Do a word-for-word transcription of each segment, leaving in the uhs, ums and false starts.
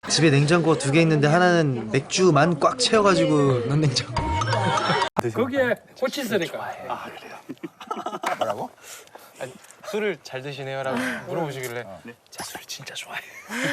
집에 냉장고 두 개 있는데 하나는 맥주만 꽉 채워가지고 넣은 냉장고. 거기에 꽃이 있으니까. 아 그래요? 뭐라고? 아니, 술을 잘 드시네요라고 물어보시길래 제 술을 진짜 좋아해요.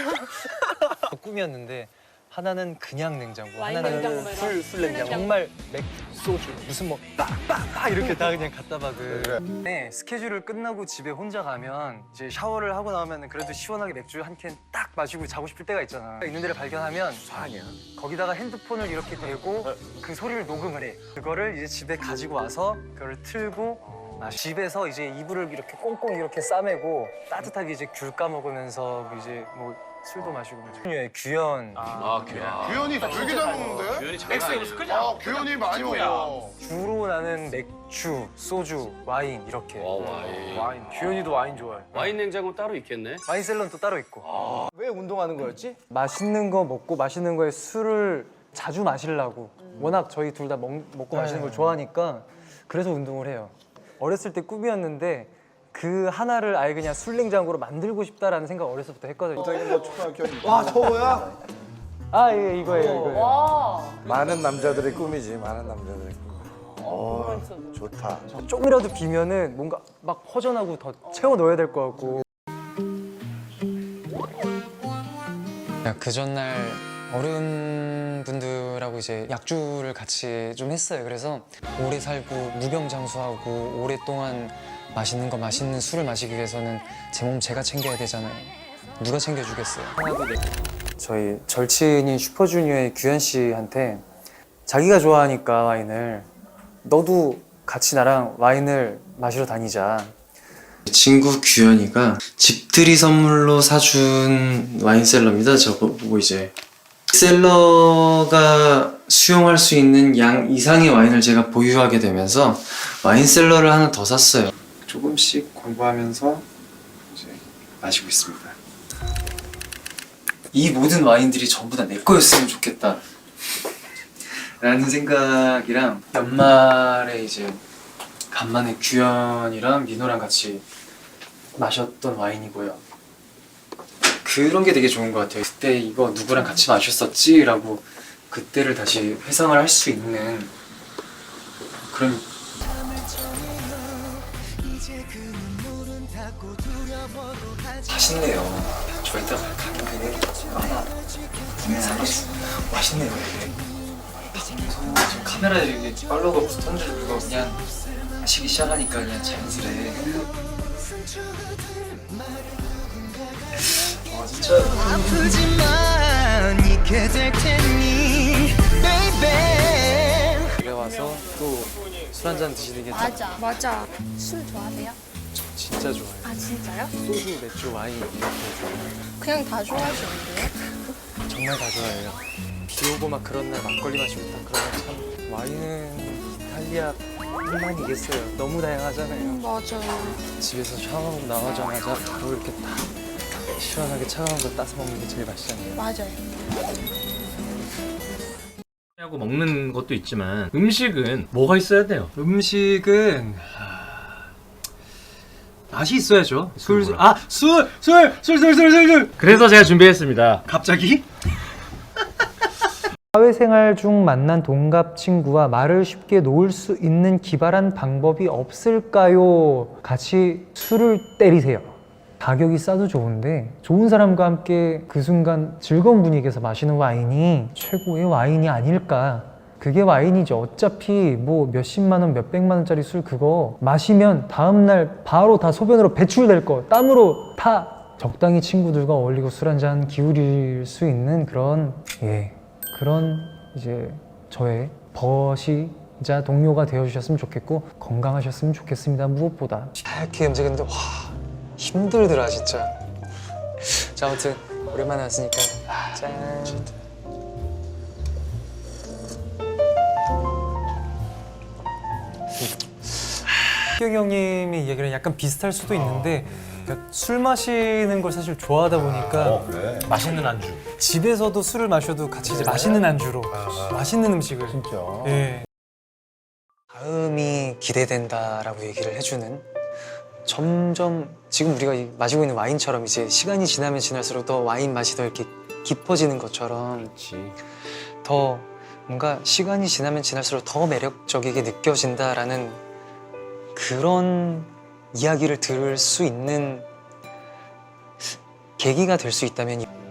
꿈이었는데 하나는 그냥 냉장고, 와인 하나는 냉장고 술, 술 냉장고. 정말 맥, 소주, 무슨 뭐 빡빡빡 이렇게 다 그냥 갖다 박은. 네, 스케줄을 끝나고 집에 혼자 가면 이제 샤워를 하고 나오면 그래도 시원하게 맥주 한 캔 딱 마시고 자고 싶을 때가 있잖아. 있는 데를 발견하면 아니야. 거기다가 핸드폰을 이렇게 대고 그 소리를 녹음을 해. 그거를 이제 집에 가지고 와서 그거를 틀고 아, 집에서 이제 이불을 이렇게 꽁꽁 이렇게 싸매고 따뜻하게 이제 귤 까먹으면서 이제 뭐 술도 마시고 예, 규현 아, 규현. 규현이 되게 잘 먹는데? 규현이 장난 아니야. 아 규현이 많이 먹어. 주로 나는 맥주, 소주, 와인 이렇게. 와, 와인. 와인. 규현이도 와인 좋아해. 와인 냉장고 따로 있겠네. 와인 셀러는 또 따로 있고. 왜 운동하는 거였지? 맛있는 거 먹고 맛있는 거에 술을 자주 마시려고. 워낙 저희 둘 다 먹고 마시는 걸 좋아하니까 그래서 운동을 해요. 어렸을 때 꿈이었는데 그 하나를 아예 그냥 술 냉장고로 만들고 싶다라는 생각 어렸을 때부터 했거든요. 뭐 초등학교 와 저거야? 아, 예, 이거예요, 이거예요. 와. 많은 남자들의 꿈이지. 많은 남자들의 꿈. 어, 좋다. 조금이라도 비면은 뭔가 막 허전하고 더 채워 넣어야 될 것 같고. 그 전날 어른분들하고 이제 약주를 같이 좀 했어요. 그래서 오래 살고 무병장수하고 오랫동안 맛있는 거 맛있는 술을 마시기 위해서는 제 몸 제가 챙겨야 되잖아요. 누가 챙겨주겠어요? 저희 절친인 슈퍼주니어의 규현 씨한테 자기가 좋아하니까 와인을 너도 같이 나랑 와인을 마시러 다니자. 친구 규현이가 집들이 선물로 사준 와인셀러입니다. 저거 보고 이제 셀러가 수용할 수 있는 양 이상의 와인을 제가 보유하게 되면서 와인셀러를 하나 더 샀어요. 조금씩 공부하면서 이제 마시고 있습니다. 이 모든 와인들이 전부 다 내 거였으면 좋겠다 라는 생각이랑 연말에 이제 간만에 규현이랑 민호랑 같이 마셨던 와인이고요. 그런 게 되게 좋은 것 같아요. 그때 이거 누구랑 같이 마셨었지? 라고 그때를 다시 회상을 할 수 있는 그런. 맛있네요. 저 이따 가격에 하나 사겠어. 맛있네요. 이게 지금 카메라에 이렇게 팔로우가 붙었는데 이거 그냥 마시기 시작하니까 그냥 자연스레. 아 진짜 아프지만 잊게 될 테니 baby. 집에 와서 또 술 한잔 드시는 게 맞아. 맞아. 술 좋아하세요? 진짜 좋아요. 아 진짜요? 소주, 맥주, 와인 이렇게 좋아해요. 그냥 다 좋아하시는데요? 정말 다 좋아해요. 비 오고 막 그런 날 막걸리 마시고 딱 그러면 참 와인은 이탈리아 뿐만이겠어요. 너무 다양하잖아요. 음, 맞아요. 집에서 샤워하고 나오자마자 바로 이렇게 딱 시원하게 차가운 거 따서 먹는 게 제일 맛있잖아요. 맞아요. 하고 먹는 것도 있지만 음식은 뭐가 있어야 돼요? 음식은 맛이 있어야죠. 술, 술 아, 술, 술, 술, 술, 술, 술, 술. 그래서 제가 준비했습니다. 갑자기? 사회생활 중 만난 동갑 친구와 말을 쉽게 놓을 수 있는 기발한 방법이 없을까요? 같이 술을 때리세요. 가격이 싸도 좋은데 좋은 사람과 함께 그 순간 즐거운 분위기에서 마시는 와인이 최고의 와인이 아닐까. 그게 와인이죠. 어차피 뭐 몇십만 원, 몇백만 원짜리 술 그거 마시면 다음날 바로 다 소변으로 배출될 거, 땀으로 다. 적당히 친구들과 어울리고 술 한잔 기울일 수 있는 그런 예 그런 이제 저의 버시자 동료가 되어주셨으면 좋겠고 건강하셨으면 좋겠습니다. 무엇보다 이렇게 움직였는데 와 힘들더라 진짜. 자 아무튼 오랜만에 왔으니까 짠. 희경 형님의 이야기랑 약간 비슷할 수도 있는데 그러니까 술 마시는 걸 사실 좋아하다 보니까 어, 그래. 맛있는 안주. 집에서도 술을 마셔도 같이 이제 맛있는 안주로 맛있는 음식을 진짜. 예. 다음이 기대된다라고 얘기를 해주는 점점 지금 우리가 마시고 있는 와인처럼 이제 시간이 지나면 지날수록 더 와인 맛이 더 이렇게 깊어지는 것처럼 그렇지. 더 뭔가 시간이 지나면 지날수록 더 매력적이게 느껴진다라는 그런 이야기를 들을 수 있는 계기가 될 수 있다면